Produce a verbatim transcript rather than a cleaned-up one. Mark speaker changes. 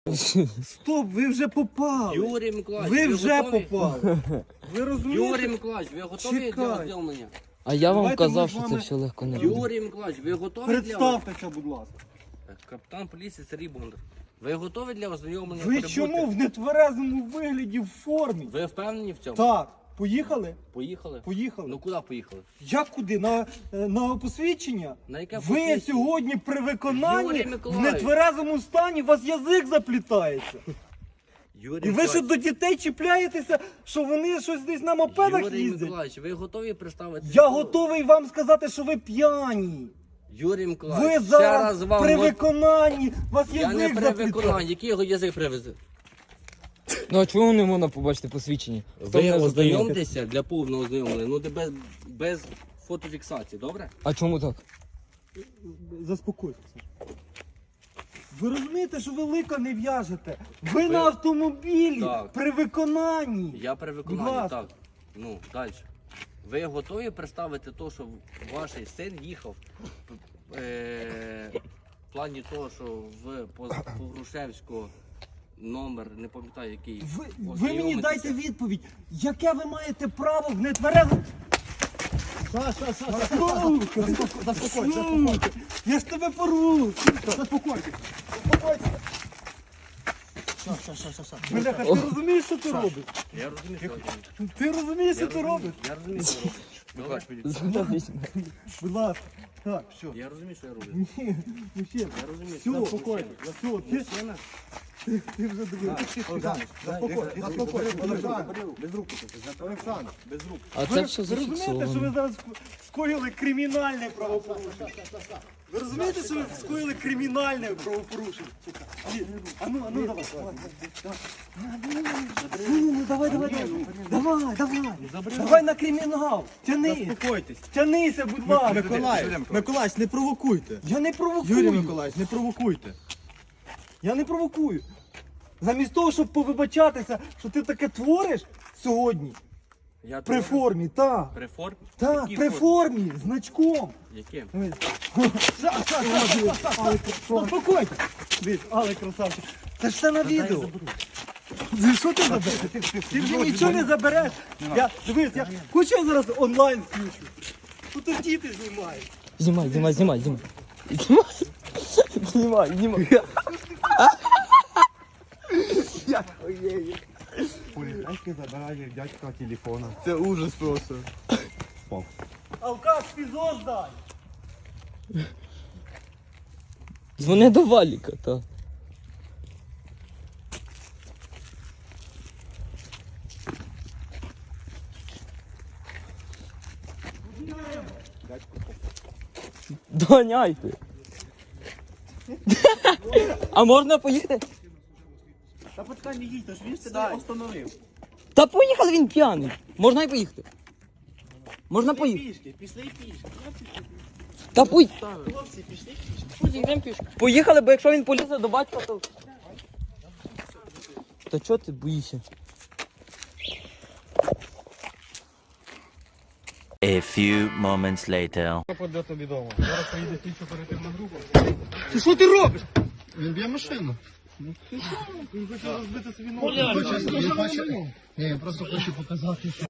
Speaker 1: Стоп, ви вже попали.
Speaker 2: Юрій Миколаївич,
Speaker 1: Ви
Speaker 2: ви
Speaker 1: вже
Speaker 2: готові?
Speaker 1: попали. Ви розумієте?
Speaker 2: Юрій Миколаївич, ви готові
Speaker 1: Чекай.
Speaker 2: для ознайомлення?
Speaker 3: А я вам
Speaker 1: Давайте ми
Speaker 3: казав,
Speaker 1: з
Speaker 3: що це
Speaker 1: вами-
Speaker 3: все легко не буде.
Speaker 2: Юрій Миколаївич, ви готові для
Speaker 1: Представтеся, будь ласка.
Speaker 2: Капітан поліції Сергій Бондар. Ви готові для ознайомлення?
Speaker 1: Ви
Speaker 2: прибути?
Speaker 1: чому в нетверезому вигляді в формі?
Speaker 2: Ви впевнені в цьому?
Speaker 1: Так, поїхали?
Speaker 2: Поїхали?
Speaker 1: Поїхали.
Speaker 2: Ну куди поїхали?
Speaker 1: Як куди? На, е, на посвідчення?
Speaker 2: На яке
Speaker 1: Ви
Speaker 2: посвідчення?
Speaker 1: сьогодні при виконанні
Speaker 2: Юрій
Speaker 1: в
Speaker 2: Миколаївич.
Speaker 1: нетверезому стані у вас язик заплітається.
Speaker 2: Юрій
Speaker 1: І ви ще
Speaker 2: Миколаївич,
Speaker 1: до дітей чіпляєтеся, що вони щось десь на мопедах
Speaker 2: Юрій
Speaker 1: їздять.
Speaker 2: Миколаївич, ви готові представити?
Speaker 1: Я готовий вам сказати, що ви п'яні.
Speaker 2: Юрій
Speaker 1: Ви
Speaker 2: Миколаївич, ще
Speaker 1: зараз
Speaker 2: раз вам...
Speaker 1: при
Speaker 2: го-
Speaker 1: виконанні, у вас
Speaker 2: Я не
Speaker 1: язик
Speaker 2: при
Speaker 1: заплітає.
Speaker 2: виконанні. Який його язик привезе?
Speaker 3: Ну а чому не можна побачити посвідчення? Хто
Speaker 2: Ви
Speaker 3: мене зупинив?
Speaker 2: ознайомтеся для повного ознайомлення, ну де без, без фотофіксації, добре?
Speaker 3: А чому так?
Speaker 1: Заспокойтеся. Ви розумієте, що ви лика не в'яжете. Ви,
Speaker 2: Ви-
Speaker 1: на автомобілі
Speaker 2: Так.
Speaker 1: при виконанні.
Speaker 2: Я при
Speaker 1: Будь
Speaker 2: виконанні,
Speaker 1: ласка.
Speaker 2: так. Ну, далі. Ви готові представити те, що ваш син їхав е, в плані того, що в Погрушевського номер, не пам'ятаю який.
Speaker 1: Ви, ви мені
Speaker 2: ознайомитися?
Speaker 1: дайте відповідь, яке ви маєте право в нетверезому... Саша, Саша, Саша, заспокойся. Я ж тебе порву. Заспокойся. Заспокойся. Бляха, ти розумієш, що ти робиш?
Speaker 2: Я розумію, що ви робите.
Speaker 1: Ти розумієш, що
Speaker 2: Я
Speaker 1: ти робиш?
Speaker 2: розумію, я розумію, що ви робите. Добре?
Speaker 1: Будь ласка. Так, все.
Speaker 2: Я розумію, що я роблю.
Speaker 1: Ні, мужчина.
Speaker 2: Я розумію,
Speaker 1: Все,
Speaker 2: що
Speaker 1: спокійно. Все, ти,
Speaker 2: Мужчина,
Speaker 1: ти, ти вже дивився.
Speaker 4: Олександр, заспокойся, заспокойся, Олександр, без рук. Олександр, без рук.
Speaker 3: А
Speaker 1: Ви,
Speaker 3: це все
Speaker 1: ви розумієте, що ви
Speaker 3: зафіксовано.
Speaker 1: зараз скоїли кримінальне правопорушення? Ви розумієте, що ви скоїли кримінальне правопорушення? Ні, А ну, а ну, давай. Ну, ну, давай, давай, давай. Давай, давай. Давай на кримінал. Тянись.
Speaker 4: Заспокойтесь.
Speaker 1: Тянися, будь ласка.
Speaker 4: Миколаїв, Миколаївич, не провокуйте.
Speaker 1: Я не
Speaker 4: Юрій
Speaker 1: провокую.
Speaker 4: Миколаївич, не провокуйте.
Speaker 1: Я не провокую. Замість того, щоб повибачатися, що ти таке твориш сьогодні,
Speaker 2: я
Speaker 1: при
Speaker 2: творю.
Speaker 1: формі, так.
Speaker 2: При формі?
Speaker 1: Так,
Speaker 2: Якій
Speaker 1: при формі, значком.
Speaker 2: Яким?
Speaker 1: Спокойно. Дивись, але красавчик. Це ж все на відео. Ти що ти забереш? Ти вже нічого не забереш. Я, дивись, я хочу я зараз онлайн включу. Тут і діти знімають.
Speaker 3: Знімай, знімай, знімай, знімай. Знімай. Знімай, знімай.
Speaker 4: Поліцейський забирає дядька телефона. Це ужас просто.
Speaker 1: Алкаш, фізо здай.
Speaker 3: Дзвони до Валіка, так. Доганяйте. А можна поїхати?
Speaker 4: Та почекай, не їдь, ж він себе остановив.
Speaker 3: Та поїхали, він п'яний. Можна і поїхати. Можна поїхати.
Speaker 4: Пішки, пішли пішки.
Speaker 3: Та пуй.
Speaker 4: Хлопці, пішли пішки.
Speaker 3: Поїхали, бо якщо він полізе до батька, то... Та чого ти боїшся?
Speaker 5: A few moments later.
Speaker 1: Ти що ти робиш?
Speaker 4: Він б'є машину.
Speaker 1: Він хоче розбити собі
Speaker 4: Він хоче, він хоче, ні, він просто хоче показати, що